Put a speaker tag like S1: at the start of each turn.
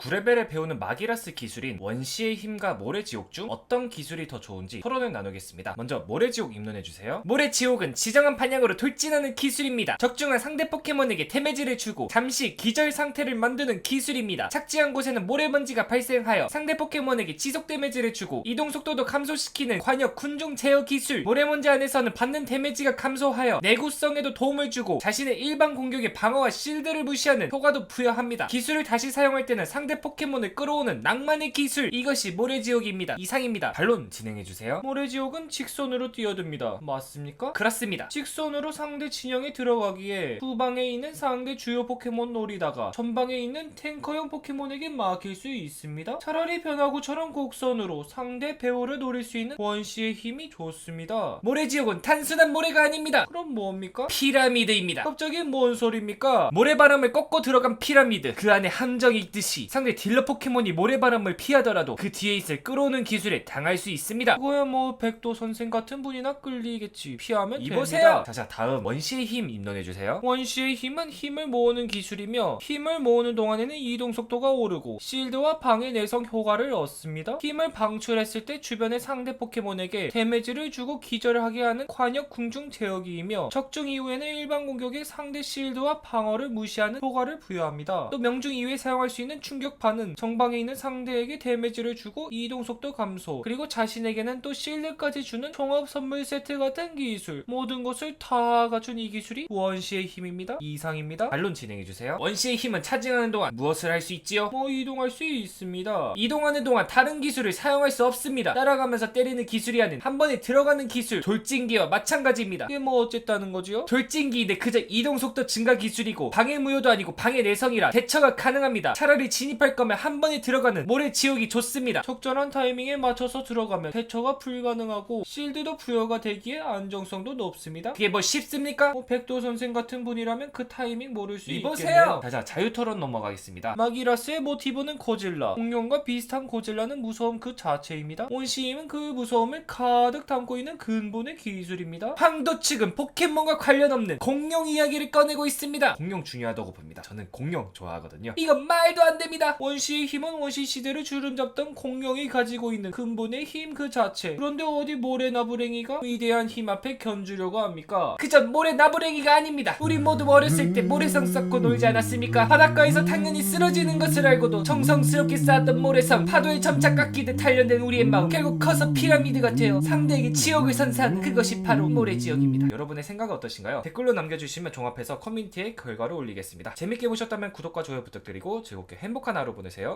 S1: 9레벨에 배우는 마기라스 기술인 원시의 힘과 모래지옥 중 어떤 기술이 더 좋은지 토론을 나누겠습니다. 먼저 모래지옥 입론해주세요. 모래지옥은 지정한 방향으로 돌진하는 기술입니다. 적중한 상대 포켓몬에게 데미지를 주고 잠시 기절 상태를 만드는 기술입니다. 착지한 곳에는 모래먼지가 발생하여 상대 포켓몬에게 지속 데미지를 주고 이동 속도도 감소시키는 관역 군중 제어 기술. 모래먼지 안에서는 받는 데미지가 감소하여 내구성에도 도움을 주고 자신의 일반 공격의 방어와 실드를 무시하는 효과도 부여합니다. 기술을 다시 사용할 때는 상대 포켓몬을 끌어오는 낭만의 기술. 이것이 모래지옥입니다. 이상입니다. 반론 진행해주세요. 모래지옥은 직선으로 뛰어듭니다. 맞습니까? 그렇습니다. 직선으로 상대 진영에 들어가기에 후방에 있는 상대 주요 포켓몬 노리다가 전방에 있는 탱커형 포켓몬에게 막힐 수 있습니다. 차라리 변화구처럼 곡선으로 상대 배우를 노릴 수 있는 원시의 힘이 좋습니다. 모래지옥은 단순한 모래가 아닙니다. 그럼 뭡니까? 피라미드입니다. 갑자기 뭔 소리입니까? 모래바람을 꺾고 들어간 피라미드. 그 안에 함정이 있듯이 상대 딜러 포켓몬이 모래바람을 피하더라도 그 뒤에 있을 끌어오는 기술에 당할 수 있습니다. 그거야 뭐 백도 선생 같은 분이나 끌리겠지. 피하면
S2: 이보세요.
S1: 됩니다. 자, 다음 원시의 힘 입론해주세요. 원시의 힘은 힘을 모으는 기술이며 힘을 모으는 동안에는 이동 속도가 오르고 실드와 방해 내성 효과를 얻습니다. 힘을 방출했을 때 주변의 상대 포켓몬에게 데미지를 주고 기절하게 하는 관역 궁중 제어기이며 적중 이후에는 일반 공격에 상대 실드와 방어를 무시하는 효과를 부여합니다. 또 명중 이후에 사용할 수 있는 충격파는 정방에 있는 상대에게 데미지를 주고 이동 속도 감소, 그리고 자신에게는 또 실드까지 주는 종합 선물 세트 같은 기술. 모든 것을 다 갖춘 이 기술이 원시의 힘입니다. 이상입니다. 반론 진행해주세요. 원시의 힘은 차징하는 동안 무엇을 할 수 있지요? 뭐 이동할 수 있습니다. 이동하는 동안 다른 기술을 사용할 수 없습니다. 따라가면서 때리는 기술이 아닌 한 번에 들어가는 기술, 돌진기와 마찬가지입니다. 이게 뭐 어쨌다는 거지요? 돌진기인데 그저 이동 속도 증가 기술이고 방해 무효도 아니고 방해 내성이라 대처가 가능합니다. 차라리 진입할 거면 한 번에 들어가는 모래지옥이 좋습니다. 적절한 타이밍에 맞춰서 들어가면 대처가 불가능하고 실드도 부여가 되기에 안정성도 높습니다. 그게 뭐 쉽습니까? 백도 선생 같은 분이라면 그 타이밍 모를 수
S2: 이보세요.
S1: 있겠네요. 자, 자유토론 넘어가겠습니다. 마기라스의 모티브는 고질라. 공룡과 비슷한 고질라는 무서움 그 자체입니다. 원시힘은 그 무서움을 가득 담고 있는 근본의 기술입니다. 황도 측은 포켓몬과 관련 없는 공룡 이야기를 꺼내고 있습니다. 공룡 중요하다고 봅니다. 저는 공룡 좋아하거든요. 이건 말도 안 됩니다. 원시의 힘은 원시 시대를 주름잡던 공룡이 가지고 있는 근본의 힘 그 자체. 그런데 어디 모래나부랭이가 위대한 힘 앞에 견주려고 합니까? 그저 모래나부랭이가 아닙니다. 우리 모두 어렸을 때 모래성 쌓고 놀지 않았습니까? 바닷가에서 당연히 쓰러지는 것을 알고도 정성스럽게 쌓았던 모래성, 파도에 점차 깎이듯 단련된 우리의 마음, 결국 커서 피라미드가 되어 상대에게 지옥을 선사하는 그것이 바로 모래지옥입니다. 여러분의 생각은 어떠신가요? 댓글로 남겨주시면 종합해서 커뮤니티에 결과를 올리겠습니다. 재밌게 보셨다면 구독과 좋아요 부탁드리고 즐겁게 행복한 하루 보내세요.